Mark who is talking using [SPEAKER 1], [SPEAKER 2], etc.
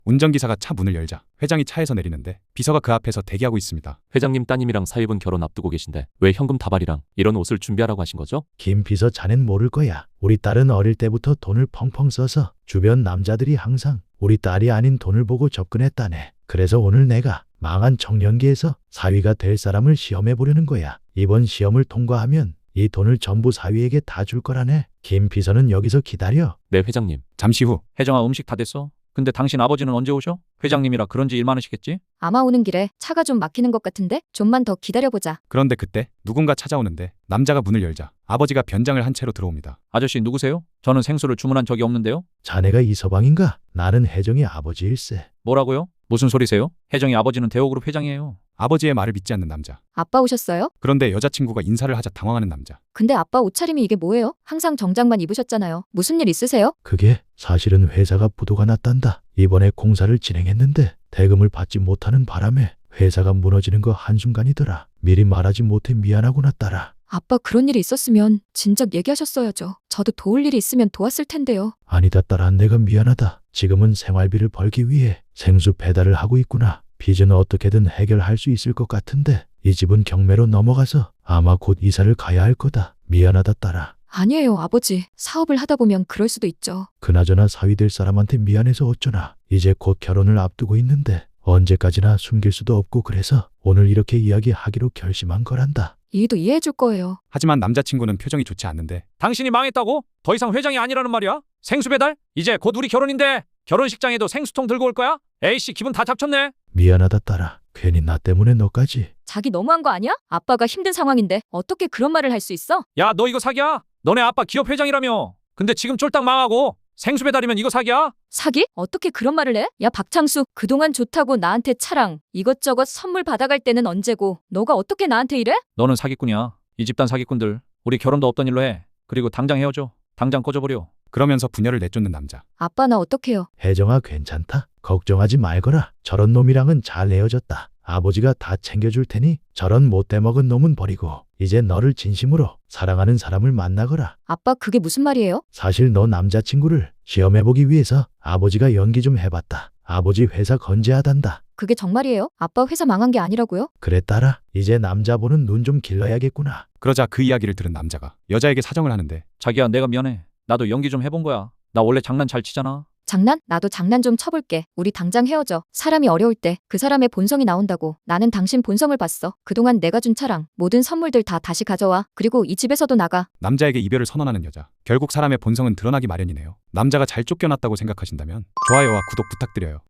[SPEAKER 1] 운전기사가 차 문을 열자 회장이 차에서 내리는데 비서가 그 앞에서 대기하고 있습니다.
[SPEAKER 2] 회장님 따님이랑 사위분 결혼 앞두고 계신데 왜 현금 다발이랑 이런 옷을 준비하라고 하신 거죠?
[SPEAKER 3] 김 비서 자넨 모를 거야. 우리 딸은 어릴 때부터 돈을 펑펑 써서 주변 남자들이 항상 우리 딸이 아닌 돈을 보고 접근했다네. 그래서 오늘 내가 망한 청년기에서 사위가 될 사람을 시험해 보려는 거야. 이번 시험을 통과하면 이 돈을 전부 사위에게 다 줄 거라네. 김 비서는 여기서 기다려.
[SPEAKER 2] 네, 회장님.
[SPEAKER 1] 잠시 후
[SPEAKER 4] 혜정아, 음식 다 됐어? 근데 당신 아버지는 언제 오셔? 회장님이라 그런지 일 많으시겠지?
[SPEAKER 5] 아마 오는 길에 차가 좀 막히는 것 같은데 좀만 더 기다려보자.
[SPEAKER 1] 그런데 그때 누군가 찾아오는데 남자가 문을 열자 아버지가 변장을 한 채로 들어옵니다.
[SPEAKER 4] 아저씨 누구세요? 저는 생수를 주문한 적이 없는데요.
[SPEAKER 3] 자네가 이서방인가? 나는 혜정이 아버지일세.
[SPEAKER 4] 뭐라고요? 무슨 소리세요? 혜정이 아버지는 대호그룹 회장이에요.
[SPEAKER 1] 아버지의 말을 믿지 않는 남자.
[SPEAKER 5] 아빠 오셨어요?
[SPEAKER 1] 그런데 여자친구가 인사를 하자 당황하는 남자.
[SPEAKER 5] 근데 아빠 옷차림이 이게 뭐예요? 항상 정장만 입으셨잖아요. 무슨 일 있으세요?
[SPEAKER 3] 그게 사실은 회사가 부도가 났단다. 이번에 공사를 진행했는데 대금을 받지 못하는 바람에 회사가 무너지는 거 한순간이더라. 미리 말하지 못해 미안하구나 딸아.
[SPEAKER 5] 아빠 그런 일이 있었으면 진작 얘기하셨어야죠. 저도 도울 일이 있으면 도왔을 텐데요.
[SPEAKER 3] 아니다 딸아, 내가 미안하다. 지금은 생활비를 벌기 위해 생수 배달을 하고 있구나. 빚은 어떻게든 해결할 수 있을 것 같은데 이 집은 경매로 넘어가서 아마 곧 이사를 가야 할 거다. 미안하다 딸아.
[SPEAKER 5] 아니에요, 아버지. 사업을 하다 보면 그럴 수도 있죠.
[SPEAKER 3] 그나저나 사위 될 사람한테 미안해서 어쩌나. 이제 곧 결혼을 앞두고 있는데 언제까지나 숨길 수도 없고 그래서 오늘 이렇게 이야기하기로 결심한 거란다.
[SPEAKER 5] 이해도 이해해 줄 거예요.
[SPEAKER 1] 하지만 남자친구는 표정이 좋지 않는데
[SPEAKER 4] 당신이 망했다고? 더 이상 회장이 아니라는 말이야? 생수 배달? 이제 곧 우리 결혼인데 결혼식장에도 생수통 들고 올 거야? 에이씨, 기분 다 잡쳤네.
[SPEAKER 3] 미안하다 딸아. 괜히 나 때문에 너까지.
[SPEAKER 5] 자기 너무한 거 아니야? 아빠가 힘든 상황인데 어떻게 그런 말을 할 수 있어?
[SPEAKER 4] 야, 너 이거 사기야? 너네 아빠 기업 회장이라며. 근데 지금 쫄딱 망하고 생수 배달이면 이거 사기야?
[SPEAKER 5] 사기? 어떻게 그런 말을 해? 야, 박창수, 그동안 좋다고 나한테 차랑 이것저것 선물 받아갈 때는 언제고 너가 어떻게 나한테 이래?
[SPEAKER 4] 너는 사기꾼이야. 이 집단 사기꾼들. 우리 결혼도 없던 일로 해. 그리고 당장 헤어져. 당장 꺼져버려.
[SPEAKER 1] 그러면서 부녀를 내쫓는 남자.
[SPEAKER 5] 아빠 나 어떡해요?
[SPEAKER 3] 혜정아 괜찮다. 걱정하지 말거라. 저런 놈이랑은 잘 헤어졌다. 아버지가 다 챙겨줄 테니 저런 못돼 먹은 놈은 버리고 이제 너를 진심으로 사랑하는 사람을 만나거라.
[SPEAKER 5] 아빠 그게 무슨 말이에요?
[SPEAKER 3] 사실 너 남자친구를 시험해보기 위해서 아버지가 연기 좀 해봤다. 아버지 회사 건재하단다.
[SPEAKER 5] 그게 정말이에요? 아빠 회사 망한 게 아니라고요?
[SPEAKER 3] 그래 딸아, 이제 남자 보는 눈 좀 길러야겠구나.
[SPEAKER 1] 그러자 그 이야기를 들은 남자가 여자에게 사정을 하는데
[SPEAKER 4] 자기야, 내가 미안해. 나도 연기 좀 해본 거야. 나 원래 장난 잘 치잖아.
[SPEAKER 5] 장난? 나도 장난 좀 쳐볼게. 우리 당장 헤어져. 사람이 어려울 때 그 사람의 본성이 나온다고. 나는 당신 본성을 봤어. 그동안 내가 준 차랑 모든 선물들 다 다시 가져와. 그리고 이 집에서도 나가.
[SPEAKER 1] 남자에게 이별을 선언하는 여자. 결국 사람의 본성은 드러나기 마련이네요. 남자가 잘 쫓겨났다고 생각하신다면 좋아요와 구독 부탁드려요.